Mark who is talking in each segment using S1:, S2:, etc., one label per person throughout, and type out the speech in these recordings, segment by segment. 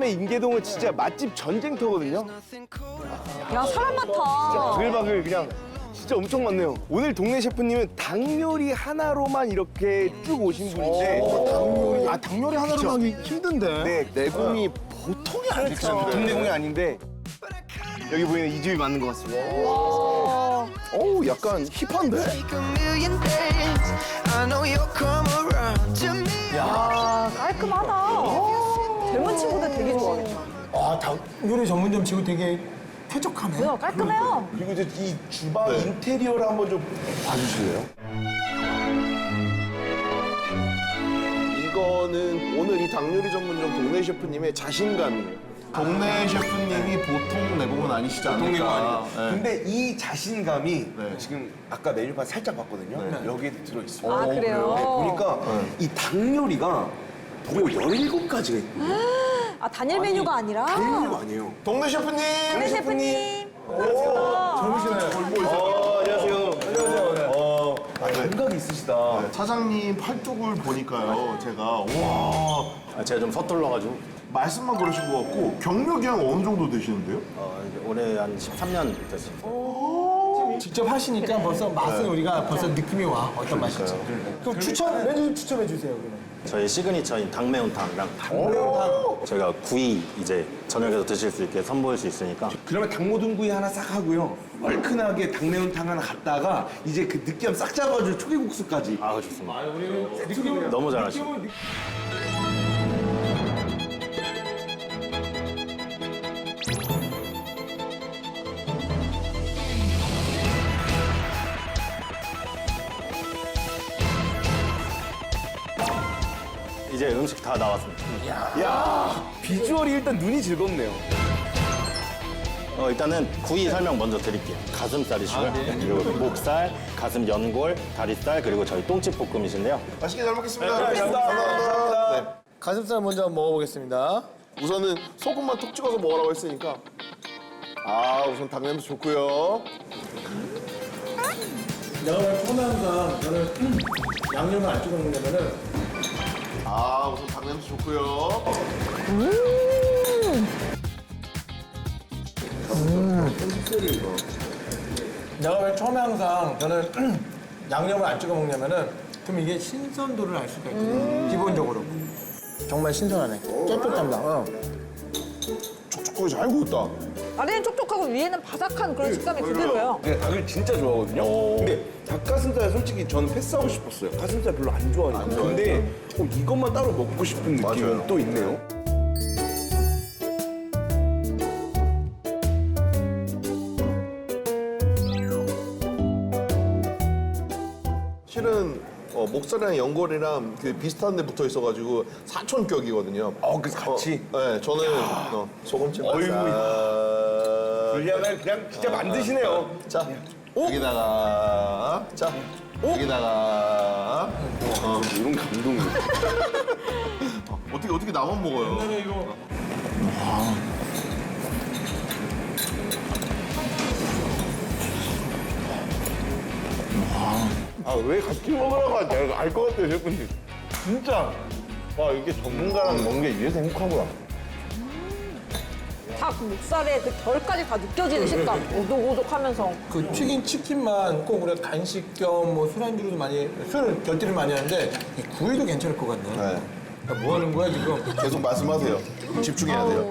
S1: 부산의 인계동은 진짜 맛집 전쟁터거든요.
S2: 야, 사람 많다.
S1: 바글바글 그냥 진짜 엄청 많네요. 오늘 동네 셰프님은 닭 요리 하나로만 이렇게 쭉 오신 분인데
S3: 닭 요리 하나로 하기 힘든데.
S1: 네, 내공이 보통이 아니죠. 보통 내공이 아닌데 여기 보이는 이 집이 맞는 것 같습니다.
S3: 어우, 약간 힙한데?
S2: 야, 깔끔하다. 젊은 친구들 되게 좋아하겠다.
S4: 아, 닭 요리 전문점 치고 되게 쾌적하네.
S2: 뭐야, 깔끔해요.
S1: 그리고 이제 이 주방 인테리어를 한번 좀 봐주실래요?
S3: 이거는 오늘 이 닭 요리 전문점 동네 셰프님의 자신감이에요. 동네 셰프님이 보통 내공은 아니시지 않을까.
S1: 보통 내공 아니에요.
S3: 네.
S1: 근데 이 자신감이
S3: 네.
S1: 지금 아까 메뉴판 살짝 봤거든요. 여기에도 들어있어요.
S2: 아, 그래요?
S1: 네, 보니까 이 닭 요리가 무려 17가지가 있거든요.
S2: 아, 단일 메뉴가 아니라.
S1: 닭 요리가 아니에요.
S3: 동네 셰프님!
S2: 네, 셰프님.
S1: 안녕하세요. 안녕하세요. 감각이 있으시다.
S3: 사장님 팔뚝을 보니까요, 제가, 와.
S5: 제가 좀 서툴러가지고
S3: 말씀만 그러신 것 같고, 경력이 한 어느 정도 되시는데요?
S5: 이제 올해 한 13년 됐습니다.
S4: 직접 하시니까 벌써 맛은 우리가 벌써 느낌이 와. 어떤 맛일지. 그럼 메뉴 좀 추천해 주세요, 그러면.
S5: 저희 시그니처인 닭매운탕이랑 저희가 구이 이제 저녁에도 드실 수 있게 선보일 수 있으니까
S1: 그러면 닭모둠구이 하나 싹 하고요. 얼큰하게 닭매운탕 하나 갖다가 이제 그 느끼함 싹 잡아줄 초계국수까지.
S5: 아 좋습니다. 너무 잘하시고 이제 음식 다 나왔습니다.
S1: 야 비주얼이 일단 눈이 즐겁네요.
S5: 일단은 구이 설명 먼저 드릴게요. 가슴살이시고요. 그리고 목살, 가슴 연골, 다리살, 그리고 저희 똥집 볶음이신데요.
S3: 맛있게 잘 먹겠습니다.
S1: 감사합니다.
S3: 네.
S4: 가슴살 먼저 한번 먹어보겠습니다.
S3: 우선은 소금만 톡 찍어서 먹으라고 했으니까. 우선 닭 냄새 좋고요.
S4: 내가 왜 처음에 항상 저는 양념을 안 찍어 먹냐면은
S3: 우선 닭 냄새 좋고요.
S4: 내가 왜 처음에 항상 저는 양념을 안 찍어 먹냐면은 그럼 이게 신선도를 알 수가 있거든. 기본적으로. 정말 신선하네. 쫄깃합니다.
S3: 촉촉하게 잘 구웠다.
S2: 아래는 촉촉하고 위에는 바삭한 그런 식감이 그대로예요.
S1: 제가 닭을 진짜 좋아하거든요. 근데 닭가슴살 솔직히 저는 패스하고 싶었어요. 가슴살 별로 안 좋아하니까. 근데 이것만 따로 먹고 싶은 느낌이
S3: 맞아요.
S1: 또 있네요.
S3: 실은 목살이랑 연골이랑 그 비슷한 데 붙어 있어가지고 사촌격이거든요.
S1: 그래서 같이?
S3: 네, 저는 소금찜
S1: 어이구.
S3: 맛살.
S1: 분량을 그냥 진짜 만드시네요.
S3: 자, 여기다가 여기다가
S1: 이런 감동이.
S3: 어떻게 나만 먹어요?
S1: 왜 같이 먹으라고 하지? 내가 알 것 같아요, 셰프님. 진짜. 와, 이게 전문가랑 먹는 게 이래서 행복하구나.
S2: 닭 목살의 그 결까지 다 느껴지는 식감. 오독오독하면서.
S4: 그 튀긴 치킨만 꼭 우리가 간식 겸 뭐 술안주로도 많이 술 결제를 많이 하는데 이 구이도 괜찮을 것 같네.
S3: 네.
S4: 야, 뭐 하는 거야 지금?
S3: 계속 말씀하세요. 집중해야 돼요.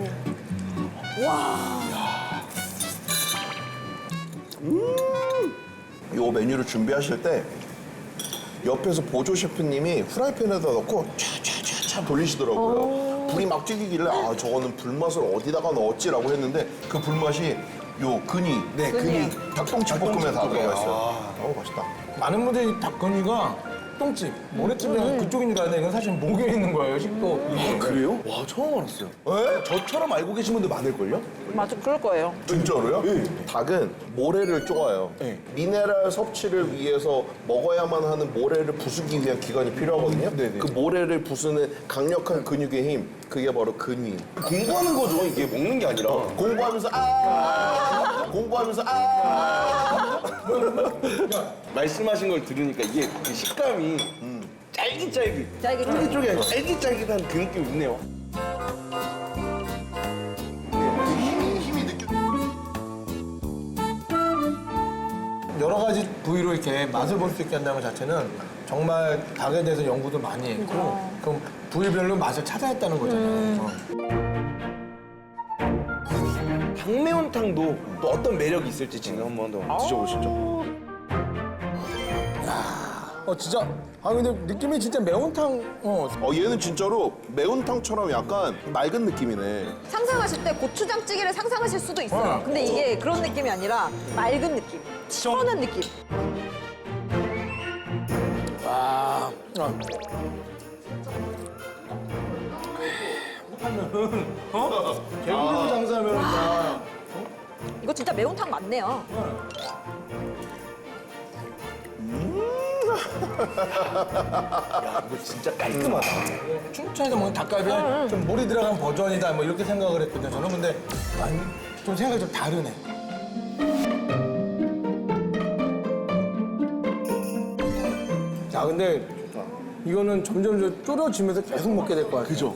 S3: 요 메뉴를 준비하실 때 옆에서 보조 셰프님이 프라이팬에다 넣고 촤촤촤촤 돌리시더라고요. 불이 막 튀기길래 저거는 불맛을 어디다가 넣었지라고 했는데 그 불맛이 요 근이,
S1: 네,
S2: 근이.
S3: 닭똥집 볶음에 다 들어가 있어요. 맛있다.
S4: 많은 분들이 닭건이가 똥집, 모래집이랑 그쪽인 줄 아는데 이건 사실 목에 있는 거예요 식도.
S1: 그래요? 와, 처음 알았어요. 저처럼 알고 계신 분들 많을걸요?
S2: 맞아, 그럴 거예요.
S3: 진짜로요? 닭은 모래를 쪼아요. 미네랄 섭취를 위해서 먹어야만 하는 모래를 부수기 위한 기관이 필요하거든요. 그 모래를 부수는 강력한 근육의 힘, 그게 바로 근위.
S1: 공부하는 거죠, 이게 먹는 게 아니라.
S3: 공부하면서 공부하면서
S1: 말씀하신 걸 들으니까 이게 그 식감이 쫄깃쫄깃.
S2: 쫄깃쫄깃.
S1: 쫄깃쫄깃한 쫄깃쫄깃한 그 느낌이 있네요.
S4: 부위로 이렇게 맛을 볼 수 있게 한다는 것 자체는 정말 닭에 대해서 연구도 많이 했고 그럼 부위별로 맛을 찾아냈다는 거잖아요.
S1: 닭매운탕도 또 어떤 매력이 있을지 지금 한번 더 드셔보시죠.
S4: 진짜 근데 느낌이 진짜 매운탕
S3: 얘는 진짜로 매운탕처럼 약간 맑은 느낌이네.
S2: 상상하실 때 고추장찌개를 상상하실 수도 있어요. 근데 이게 그런 느낌이 아니라 맑은 느낌, 시원한 느낌.
S4: 개구리로 장사하면
S2: 이거 진짜 매운탕 맞네요.
S1: 이거 진짜 깔끔하다.
S4: 춘천에서 먹는 닭갈비는 좀 물이 들어간 버전이다 뭐 이렇게 생각을 했거든요. 저는 근데 아니, 좀 생각이 좀 다르네. 자, 근데 이거는 점점 좀 줄어지면서 계속 먹게 될 것 같아요.
S1: 그죠?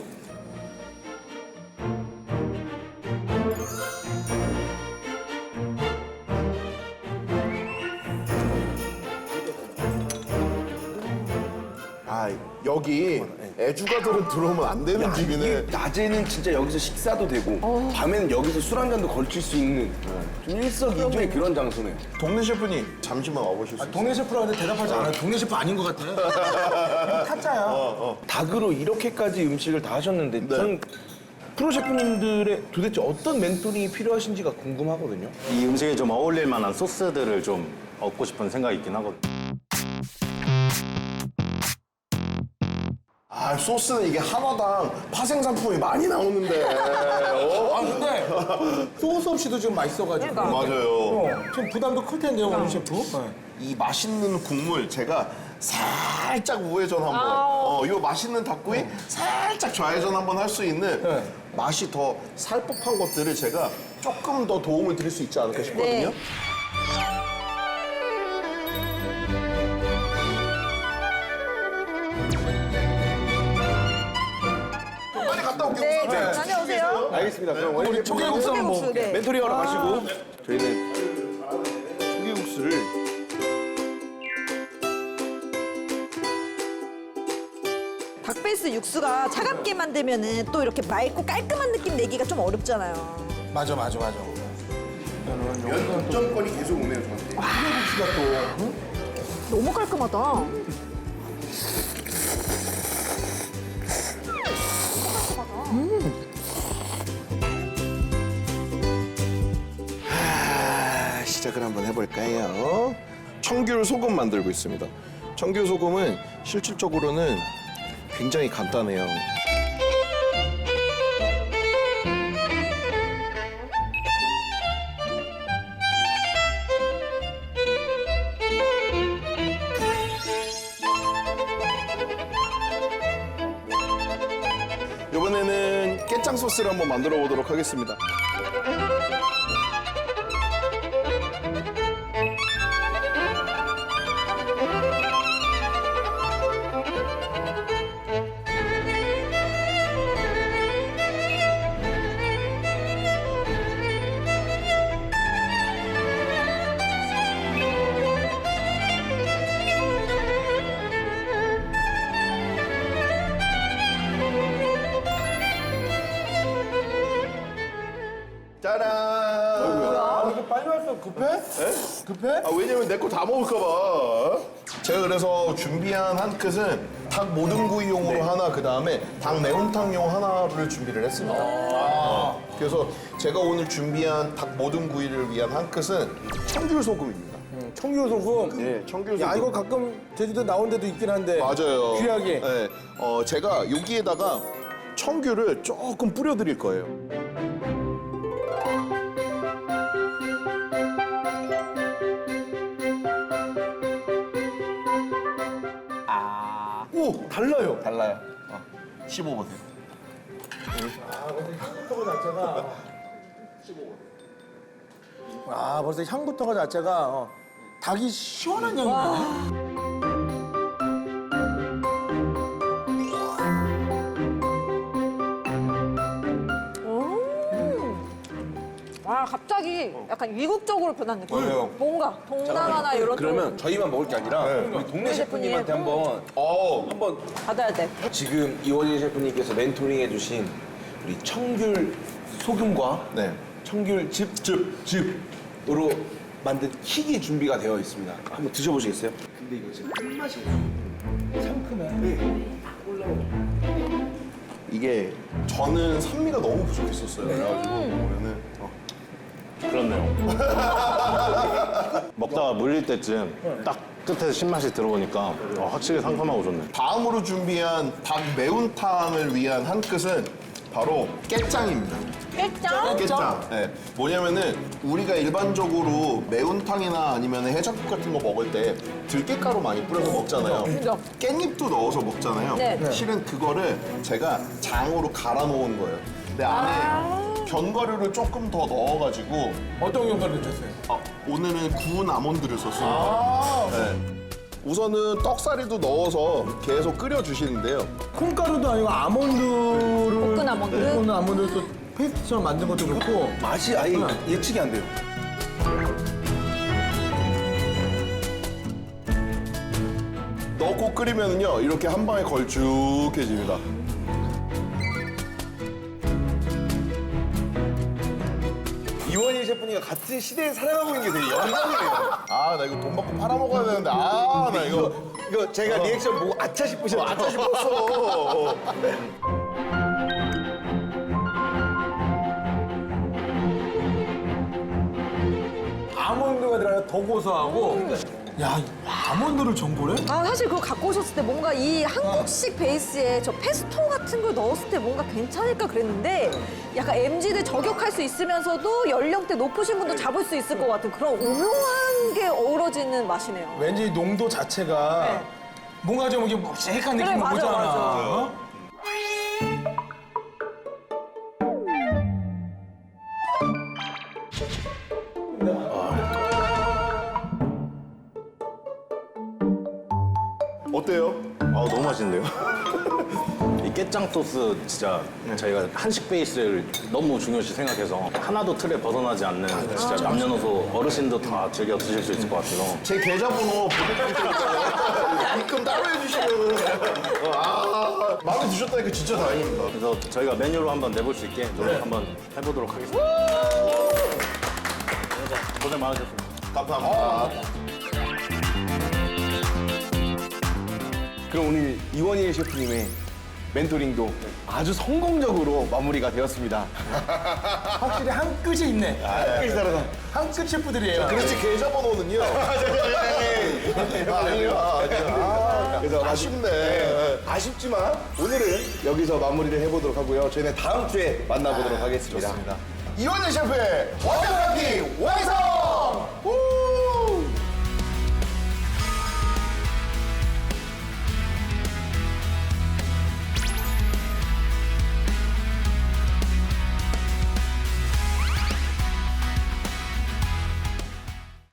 S3: 여기 애주가들은 들어오면 안 되는 집이네.
S1: 이게 낮에는 진짜 여기서 식사도 되고 밤에는 여기서 술 한 잔도 걸칠 수 있는 좀 일석이조의 그런 장소네요.
S3: 동네 셰프님 잠시만 와보실 수 있어요?
S4: 동네 셰프라고 하는데 대답하지 않아요. 동네 셰프 아닌 것 같아요. 타짜야.
S1: 닭으로 이렇게까지 음식을 다 하셨는데 저는 프로 셰프님들의 도대체 어떤 멘토링이 필요하신지가 궁금하거든요.
S5: 이 음식에 좀 어울릴 만한 소스들을 좀 얻고 싶은 생각이 있긴 하거든요.
S3: 소스는 이게 하나당 파생 상품이 많이 나오는데.
S4: 근데 소스 없이도 지금 맛있어가지고.
S2: 그러니까.
S3: 맞아요.
S4: 좀 부담도 클 텐데요, 원유 셰프.
S3: 이 맛있는 국물 제가 살짝 우회전 한번 요 맛있는 닭구이 살짝 좌회전 한번 할 수 있는 맛이 더 살 법한 것들을 제가 조금 더 도움을 드릴 수 있지 않을까 싶거든요.
S2: 네.
S3: 빨리 갔다 올게요.
S2: 네,
S3: 우선.
S2: 다녀오세요.
S1: 알겠습니다. 그럼 원래
S4: 초계국수 한번
S2: 초계국수,
S4: 먹을게요.
S2: 네.
S1: 멘토링 하러 가시고 저희는 초계국수를
S2: 닭베이스 육수가 차갑게 만들면은 또 이렇게 맑고 깔끔한 느낌 내기가 좀 어렵잖아요.
S4: 맞아.
S3: 득점권이 계속 오네요, 저한테.
S2: 너무 깔끔하다.
S3: 시작을 한번 해볼까요? 청귤 소금 만들고 있습니다. 청귤 소금은 실질적으로는 굉장히 간단해요. 이번에는 깨짱 소스를 한번 만들어 보도록 하겠습니다. 짜란!
S4: 이거 빨리 왔어. 급해? 급해?
S3: 왜냐면 내 거 다 먹을까 봐. 제가 그래서 준비한 한 끗은 닭 모듬구이용으로 하나, 그 다음에 닭 매운탕용 하나를 준비를 했습니다. 그래서 제가 오늘 준비한 닭 모듬구이를 위한 한 끗은 청귤 소금입니다.
S4: 청귤 소금.
S3: 네, 청귤 소금.
S4: 야, 이거 가끔 제주도 나온 데도 있긴 한데.
S3: 맞아요.
S4: 귀하게.
S3: 네, 제가 여기에다가 청귤을 조금 뿌려드릴 거예요.
S1: 오 달라요.
S3: 달라요. 15보세요.
S4: 향부터 자체가. 벌써 향부터가 자체가 닭이 시원한 향이 나네.
S2: 와, 아 갑자기 약간 이국적으로 변한 느낌.
S1: 맞아요.
S2: 뭔가 동남아나 이런
S1: 그러면
S2: 쪽
S1: 저희만 먹을 게 아니라 우리 동네 셰프님한테 한번
S2: 받아야 돼.
S1: 지금 이원희 셰프님께서 멘토링 해주신 우리 청귤 소금과
S3: 네.
S1: 청귤 즙으로 만든 킥이 준비가 되어 있습니다. 한번 드셔보시겠어요? 근데 이거 진짜 끝맛이에요. 상큼해.
S3: 이게 저는 산미가 너무 부족했었어요. 그래가지고 보면은
S5: 그렇네요. 먹다가 물릴 때쯤 딱 끝에서 신맛이 들어오니까 확실히 상큼하고 좋네.
S3: 다음으로 준비한 닭 매운탕을 위한 한 끝은 바로 깨짱입니다.
S2: 깨짱?
S3: 깨짱. 네. 뭐냐면은 우리가 일반적으로 매운탕이나 아니면 해장국 같은 거 먹을 때 들깨가루 많이 뿌려서 먹잖아요.
S2: 그죠.
S3: 깻잎도 넣어서 먹잖아요.
S2: 네.
S3: 실은 그거를 제가 장으로 갈아 놓은 거예요. 근데 안에 견과류를 조금 더 넣어가지고
S4: 어떤 견과류 넣으셨어요?
S3: 오늘은 구운 아몬드를 썼습니다. 네. 우선은 떡사리도 넣어서 계속 끓여주시는데요.
S4: 콩가루도 아니고 아몬드를
S2: 볶은 아몬드?
S4: 볶은 아몬드를 또 페이스트처럼 만든 것도 그렇고
S1: 맛이 아예 예측이 안 돼요.
S3: 넣고 끓이면요 이렇게 한 방에 걸쭉해집니다.
S1: 이원희 셰프님과 같은 시대에 살아가고 있는 게 되게 영광이에요.
S3: 아 나 이거 돈 받고 팔아 먹어야 되는데 아 나
S1: 이거 제가 리액션 보고 아차 싶으셨죠?
S3: 아차 싶었어.
S4: 아몬드가 들어가서 더 고소하고 야, 이 아몬드를 전골에?
S2: 아 사실 그거 갖고 오셨을 때 뭔가 이 한국식 베이스에 저 페스토 같은 걸 넣었을 때 뭔가 괜찮을까 그랬는데 약간 MZ들 저격할 수 있으면서도 연령대 높으신 분도 잡을 수 있을 것 같은 그런 오묘한 게 어우러지는 맛이네요.
S4: 왠지 농도 자체가
S2: 네.
S4: 뭔가 좀 이게 묵직한
S2: 그래,
S4: 느낌이
S2: 맞아,
S4: 오잖아.
S2: 맞아.
S4: 어?
S3: 어때요?
S5: 너무 맛있는데요? 이 깨짱 소스 진짜 저희가 한식 베이스를 너무 중요시 생각해서 하나도 틀에 벗어나지 않는 진짜 남녀노소 어르신도 다 즐겨 드실 수 있을 것 같아서
S3: 제 계좌번호 보내드릴 테니까 입금 따로 해주시면 아 마음에 드셨다니까 진짜 다행입니다.
S5: 그래서 저희가 메뉴로 한번 내볼 수 있게 노력 한번 해보도록 하겠습니다. 고생 많으셨습니다.
S3: 감사합니다.
S1: 그럼 오늘 이원희 셰프님의 멘토링도 아주 성공적으로 마무리가 되었습니다.
S4: 확실히 한 끗이 있네.
S1: 끝까지 살아서.
S4: 한 끗 셰프들이에요.
S3: 그렇지 계좌번호는요.
S1: 그래서
S3: 아쉽네.
S1: 아쉽지만 오늘은 여기서 마무리를 해보도록 하고요. 저희는 다음 주에 만나보도록 하겠습니다.
S3: 이원희 셰프의 완벽하기 완성!